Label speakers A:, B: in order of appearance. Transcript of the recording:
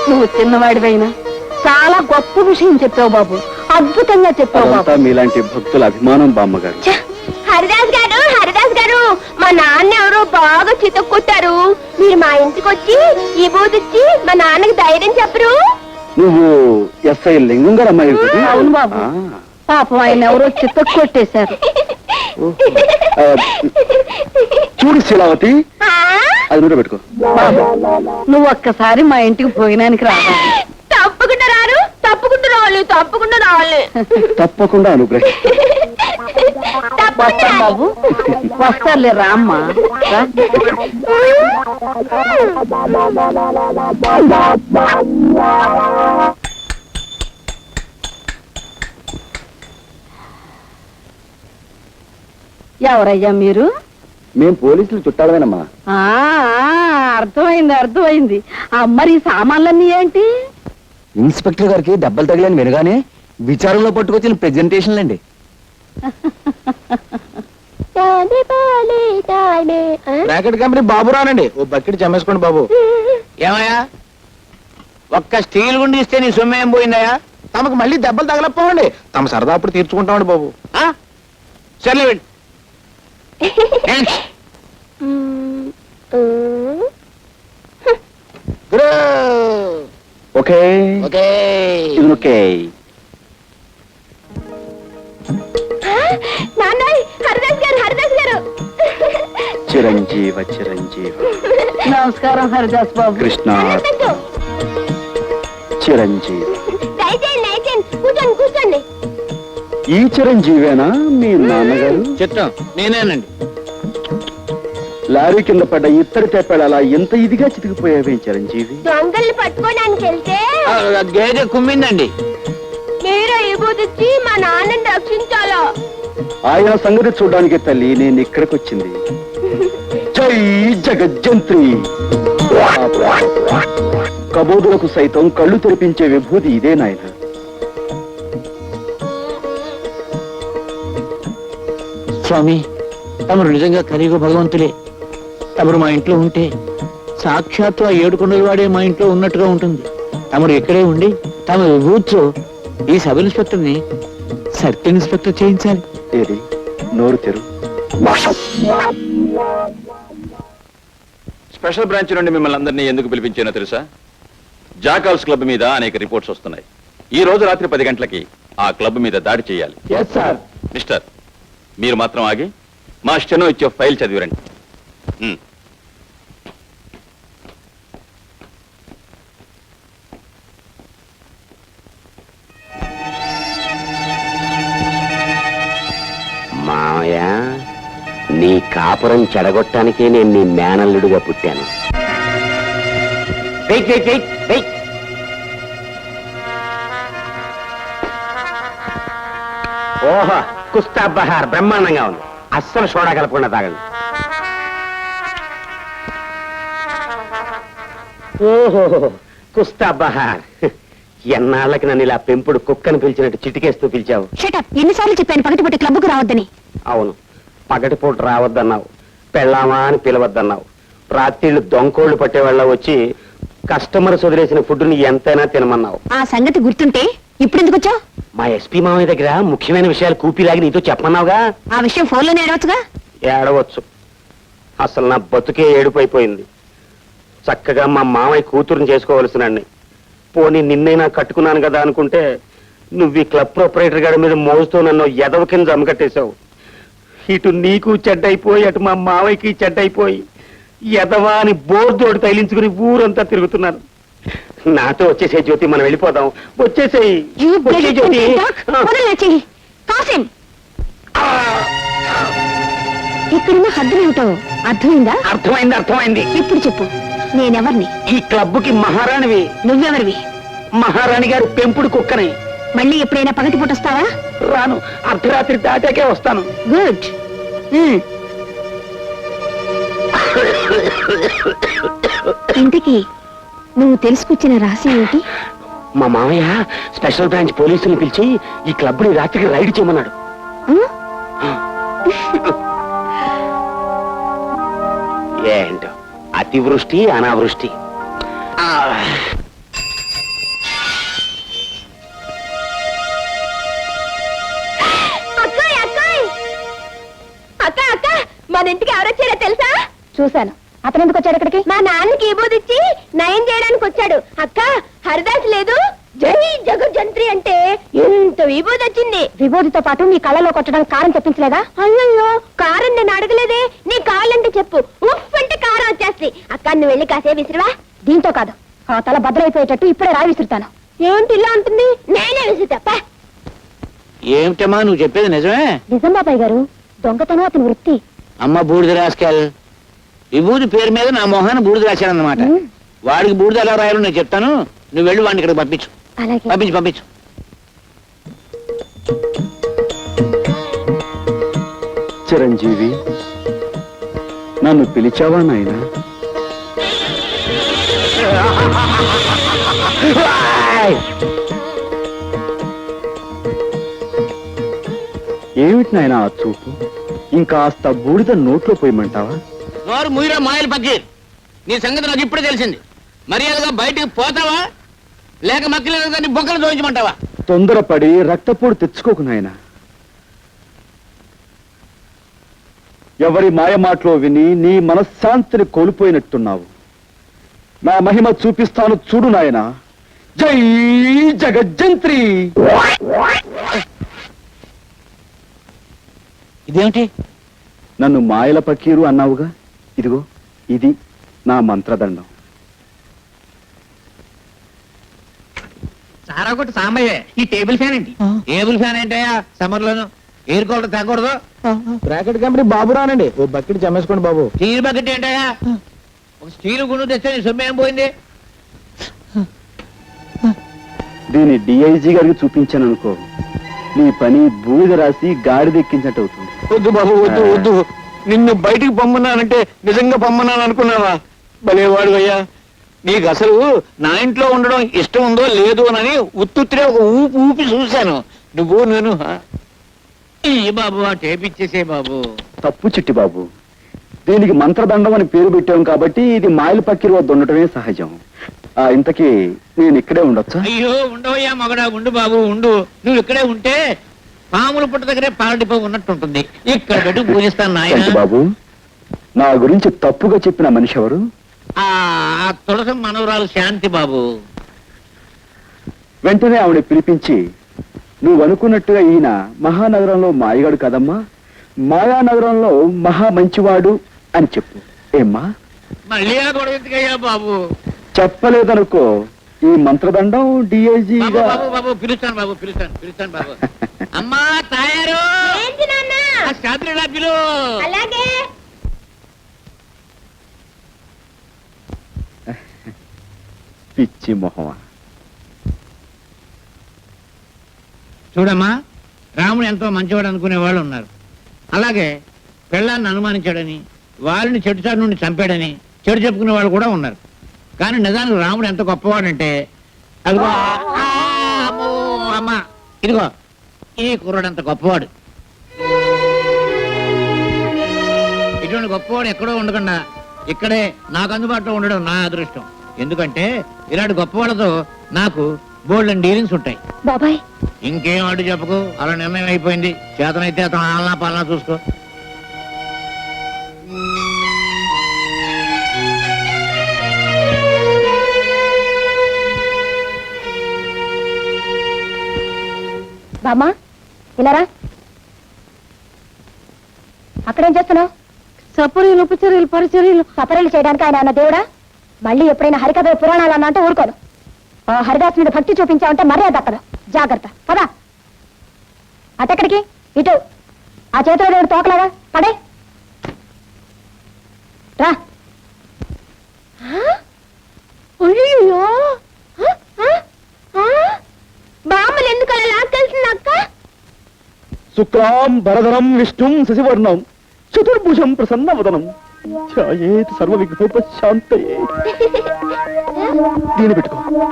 A: నువ్వు చిన్నవాడివైనా చాలా గొప్ప విషయం చెప్పావు బాబు, అద్భుతంగా చెప్పావు బాబు.
B: మీలాంటి భక్తుల అభిమానం బామ్మగారు.
C: హరిదాస్ గారు, హరిదాస్ గారు, మా నాన్న ఎవరో బాగా చితక్కొట్టారు. మీరు మా ఇంటికి వచ్చి ఈ బూదిచ్చి మా నాన్నకి ధైర్యం చెప్పరు?
B: నువ్వు ఎస్ఐ లింగం గారు అమ్మాయి?
A: అవును బాబు, పాపం ఆయన ఎవరో చిత్తకు కొట్టేశారు.
B: చూడు శీలావతి, అది నూనె పెట్టుకో.
A: బాబు నువ్వు ఒక్కసారి మా ఇంటికి భోజనానికి రావాలి.
C: తప్పకుండా రారు, తప్పకుండా రావాలి, తప్పకుండా రావాలి.
B: తప్పకుండా అనుగ్రహం.
A: వస్తాం బాబు, వస్తారులే రామ్మా. ఎవరయ్యా మీరు?
B: మేం పోలీసులు చుట్టాలమేనమ్మా.
A: అర్థమైంది అర్థమైంది. మరి ఈ సామాన్లన్నీ ఏంటి?
B: ఇన్స్పెక్టర్ గారికి దెబ్బలు తగిలని వినగానే విచారంలో పట్టుకొచ్చిన ప్రెజెంటేషన్లు అండి.
D: బ్రాకెట్ కంపెనీ బాబు రానండి, ఓ బకెట్ జమేసుకోండి బాబు. ఏమయ్యా, ఒక్క స్టీల్ గుండి ఇస్తే నీ సొమ్ము ఏం పోయిందయ్యా? తమకు మళ్ళీ దెబ్బలు తగలపోవండి, తమ సరదా అప్పుడు తీర్చుకుంటామండి బాబు. సర్లే వెళ్ళి.
B: Okay
D: okay
B: okay.
C: హరిదాస్ గారు, హరిదాస్ గారు.
B: చిరంజీవ చిరంజీవ.
A: నమస్కారం హరిదాస్ బాబు.
B: కృష్ణ చిరంజీవి.
C: కూర్చోండి కూర్చోండి.
B: ఈ చిరంజీవేనా మీ నాన్నగారు?
D: చిత్తం నేనేనండి.
B: లారీ కింద పడ్డ ఇత్తడి తెప్పాడు అలా ఎంత ఇదిగా చితికిపోయావే చిరంజీవి?
C: దొంగల్ని పట్టుకోవడానికి వెళ్తే
D: గేదె కుమ్మిందండి.
C: మీరు ఇబుదిచ్చి మా నాన్నని రక్షించాలా?
B: ఆయన సంగతి చూడడానికి తల్లి నేను ఇక్కడికి వచ్చింది. జై జగజ్జంత్రి. కబోదులకు సైతం కళ్ళు తెరిపించే విభూతి ఇదే నాయన.
D: స్వామి, తమరు నిజంగా కలియుగ భగవంతులే. తమరు మా ఇంట్లో ఉంటే సాక్షాత్తు ఆ 7 కొండల వాడే మా ఇంట్లో ఉన్నట్టుగా ఉంటుంది. తమరు ఇక్కడే ఉండి తమ విభూతితో ఈ సబ్ ఇన్స్పెక్టర్ ని సర్కిల్ ఇన్స్పెక్టర్ చేయించాలి.
B: ఏది నోరు తెరు.
E: స్పెషల్ బ్రాంచ్ నుండి మిమ్మల్ని అందరినీ ఎందుకు పిలిపించానో తెలుసా? జాకాల్స్ క్లబ్ మీద అనేక రిపోర్ట్స్ వస్తున్నాయి. ఈ రోజు రాత్రి 10 గంటలకి ఆ క్లబ్ మీద దాడి చేయాలి. మిస్టర్, మీరు మాత్రం ఆగి మా స్టెనో ఇచ్చే ఫైల్ చదివిరండి.
F: మావయ్య, నీ కాపురం చెడగొట్టానికే నేను నీ మేనల్లుడిగా పుట్టాను. ఓహో, కుస్తా బహార్ బ్రహ్మాండంగా ఉంది. అస్సలు సోడా కలపకుండా తాగండి. ఓహో, కుస్తా బహార్. ఎన్నాళ్ళకి నన్ను ఇలా పెంపుడు కుక్కను పిలిచినట్టు చిటికేస్తూ పిలిచావు.
C: ఎన్నిసార్లు చెప్పాను పగటిపూట క్లబ్కు రావద్దని?
F: అవును, పగటిపూట రావద్దన్నావు, పెళ్ళామా అని పిలవద్దన్నావు. రాత్రిళ్ళు దొంకోళ్లు పట్టేవాళ్ళ వచ్చి కస్టమర్స్ వదిలేసిన ఫుడ్ని ఎంతైనా తినమన్నావు.
C: ఆ సంగతి గుర్తుంటే ఇప్పుడు ఎందుకు వచ్చావు?
F: మా ఎస్పీ మామయ్య దగ్గర ముఖ్యమైన విషయాలు కూపిలాగి నీతో చెప్పమన్నావుగా.
C: ఆ విషయం ఫోన్లోనే ఏడవచ్చుగా.
F: ఏడవచ్చు. అసలు నా బతుకే ఏడుపైపోయింది. చక్కగా మా మామయ్య కూతురుని చేసుకోవలసినండి. పోనీ నిన్నైనా కట్టుకున్నాను కదా అనుకుంటే నువ్వు ఈ క్లబ్ ప్రొపరేటర్ గారి మీద మోజుతో నన్ను ఎదవ కింద జమకట్టేశావు. ఇటు నీకు చెడ్డైపోయి అటు మా మావయ్యకి చెడ్డైపోయి ఎదవా అని బోర్దోడు తైలించుకుని ఊరంతా తిరుగుతున్నాను. నాతో వచ్చేసే జ్యోతి, మనం వెళ్ళిపోదాం. వచ్చేసేయి జ్యోతి.
C: ఇక్కడున్న హద్దులేమిటో అర్థమైందా?
F: అర్థమైంది అర్థమైంది.
C: ఇప్పుడు చెప్పు, నేనెవర్ని?
F: ఈ క్లబ్కి మహారాణివి.
C: నువ్వెవరివి?
F: మహారాణి గారి పెంపుడు కుక్కని.
C: మళ్ళీ ఎప్పుడైనా పగటిపూట వస్తావా?
F: రాను, అర్ధరాత్రి దాటాకే వస్తాను.
C: గుడ్. ఇంతకీ నువ్వు తెలుసుకొచ్చిన రహస్యం ఏంటి?
F: మా మామయ్య స్పెషల్ బ్రాంచ్ పోలీసులు పిలిచి ఈ క్లబ్ ని రాత్రికి రైడ్ చేయమన్నాడు. ఏంటో అతివృష్టి అనావృష్టి.
A: చూశాను. అతను ఎందుకు వచ్చాడు ఇక్కడికి?
C: మా నాన్నకి విభూది ఇచ్చి నయం చేయడానికి వచ్చాడు. అక్క హరిదాస్ లేదు, జై జగజ్జంత్రి అంటే ఎంత విభూది వచ్చింది.
A: విభూతితో పాటు నీ కళ్ళలో కొట్టడానికి కారం తెప్పించలేదా?
C: అయ్యో కారం నేను అడగలేదే. నీ కావాలంటే చెప్పు, ఉఫ్ అంటే కారం వచ్చేస్తుంది. అక్క నువ్వు వెళ్ళి కాసే విసిరివా.
A: దీంతో కాదు, ఆ తల భద్రైపోయేటట్టు ఇప్పుడే రాయి విసురుతాను.
C: ఏంటి ఇలా ఉంటుంది? నేనే విసురుతా.
D: ఏమిటమ్మా నువ్వు చెప్పేది నిజమే?
A: నిజం బాబాయ్ గారు, దొంగతనం అతని వృత్తి.
D: అమ్మ బూడిద రాసుకెళ్. విభూతి పేరు మీద నా మొహాన్ని బూడిద రాశానన్నమాట. వాడికి బూడిద ఎలా రాయాలో నేను చెప్తాను. నువ్వు వెళ్ళి వాడిని ఇక్కడికి పంపించు.
A: అలాగే.
D: పంపించు.
B: చిరంజీవి, నన్ను పిలిచావా నాయనా? ఏమిటి నాయనా ఆ చూపు? ఇంకాస్త బూడిద నోట్లో పోయమంటావా?
D: నోరు ముయిరా మాయలు పక్కీర్. నీ సంగతి నాకు ఇప్పుడే తెలిసింది. మర్యాదగా బయటికి పోతావా లేక మక్కలేదు దాన్ని బొక్కలు చూపించమంటావా?
B: తొందరపడి రక్తపోటు తెచ్చుకోకు నాయనా. ఎవరి మాయ మాటలో విని నీ మనశ్శాంతిని కోల్పోయినట్టున్నావు. నా మహిమ చూపిస్తాను చూడు నాయనా. జై జగజ్జంత్రి.
D: ఇదేమిటి?
B: నన్ను మాయల పకీరు అన్నావుగా, ఇదిగో ఇది నా మంత్రదండం.
D: సారా కొట్టి సాంబయ్య. ఈ టేబుల్ ఫ్యాన్ ఏంటి? టేబుల్ ఫ్యాన్ ఏంటయ్యా? సమ్మర్ లోను ఎయిర్ కూలర్ తగ్గకూడదు.
G: బ్రాకెట్ కంపెనీ బాబు రానండి, ఓ బకెట్ జమేసుకోండి బాబు.
D: స్టీల్ బకెట్ ఏంటయ్యా? ఒక స్టీల్ గుండు తెస్తే నీ సొమ్ము ఏం పోయింది?
B: దీన్ని డిఐజీ గారికి చూపించాను అనుకో, నీ పని బూడిద రాసి గాడిదెక్కించినట్టు అవుతుంది.
D: వద్దు బాబు, వద్దు. నిన్ను బయటికి పంపన్నానంటే నిజంగా పంపన్నాను అనుకున్నావా? భలేవాడు అయ్యా. నీకు అసలు నా ఇంట్లో ఉండడం ఇష్టం ఉందో లేదో అని ఉత్తుత్తిరే ఒక ఊపి చూశాను. నువ్వు నేను ఈ బాబు ఆ టేప్ ఇచ్చేసే బాబు.
B: తప్పు చిట్టి బాబు, దీనికి మంత్రదండం అని పేరు పెట్టాం కాబట్టి ఇది మాయల పక్కిరి వద్ద ఉండటమే సహజం. ఇంతకీ నేను ఇక్కడే ఉండొచ్చా?
D: అయ్యో ఉండవయ్యా మగడా, ఉండు బాబు ఉండు. నువ్వు ఇక్కడే ఉంటే పాముల పుట్ట దగ్గరే పాలడిపో ఉన్నట్టు ఉంటుంది. ఇక్కడ పెట్టి పూజిస్తాను నాయన.
B: బాబు, నా గురించి తప్పుగా చెప్పిన మనిషి ఎవరు?
D: ఆ తులసి మనవరాలు శాంతి బాబు.
B: వెంటనే ఆవిడ పిలిపించి, నువ్వు అనుకున్నట్టుగా ఈయన మహానగరంలో మాయగాడు కదమ్మా, మాయానగరంలో మహా మంచివాడు అని చెప్పు. ఏమ్మా?
D: మళ్ళీ ఆ గొడవ ఎందుకయ్యా బాబు?
B: చెప్పలేదనుకో, ఈ మంత్రదండం డిఐజీ
D: బాబు పిలుస్తాను బాబు. అమ్మా తయారు.
C: ఏంటి నాన్న?
D: శాస్త్రి పిలు.
C: అలాగే.
B: పిచ్చి మొహమా.
D: చూడమ్మా, రాముడు ఎంతో మంచివాడు అనుకునే వాళ్ళు ఉన్నారు. అలాగే పెళ్ళాన్ని అనుమానించాడని, వాళ్ళని చెడుచాడు నుండి చంపాడని చెడు చెప్పుకునే వాళ్ళు కూడా ఉన్నారు. కానీ నిజానికి రాముడు ఎంత గొప్పవాడంటే, అదిగో అమ్మా ఇదిగో ఈ కుర్రాడు అంత గొప్పవాడు. ఇటువంటి గొప్పవాడు ఎక్కడో ఉండకుండా ఇక్కడే నాకు అందుబాటులో ఉండడం నా అదృష్టం. ఎందుకంటే ఇలాంటి గొప్పవాళ్ళతో నాకు బోల్డ్ డీలింగ్స్ ఉంటాయి.
A: బాబాయ్,
D: ఇంకేం అడ్డు చెప్పకు. అలా నిర్ణయం అయిపోయింది. చేతనైతే అతను ఆలనా పాలనా చూసుకో.
A: బామ్మా ఇలారా. అక్కడేం చేస్తున్నావు? సపరీలు ఉపచర్యలు పరిచర్యలు సపరీలు చేయడానికి ఆయన అన్న దేవుడా? మళ్ళీ ఎప్పుడైనా హరికథ పురాణాలు అన్న అంటే ఊరుకోను. ఆ హరిదాస్ మీద భక్తి చూపించావంటే మర్యాద దక్కదు. జాగ్రత్త. పదా అటెక్కడికి? ఇటు. ఆ చేతిలో దేవుడు తోకలాగా పడే రా.
C: అయ్యో బామ్మలు ఎందుకు అలా లాక్కెళ్తుంది అక్క?
B: శుక్లాం భరధరం విష్ణుం శశివర్ణం చతుర్భుజం ప్రసన్నవదనం ఛాయేత్ సర్వ విఘ్నోపశాంతయే. దీని పెట్టుకో.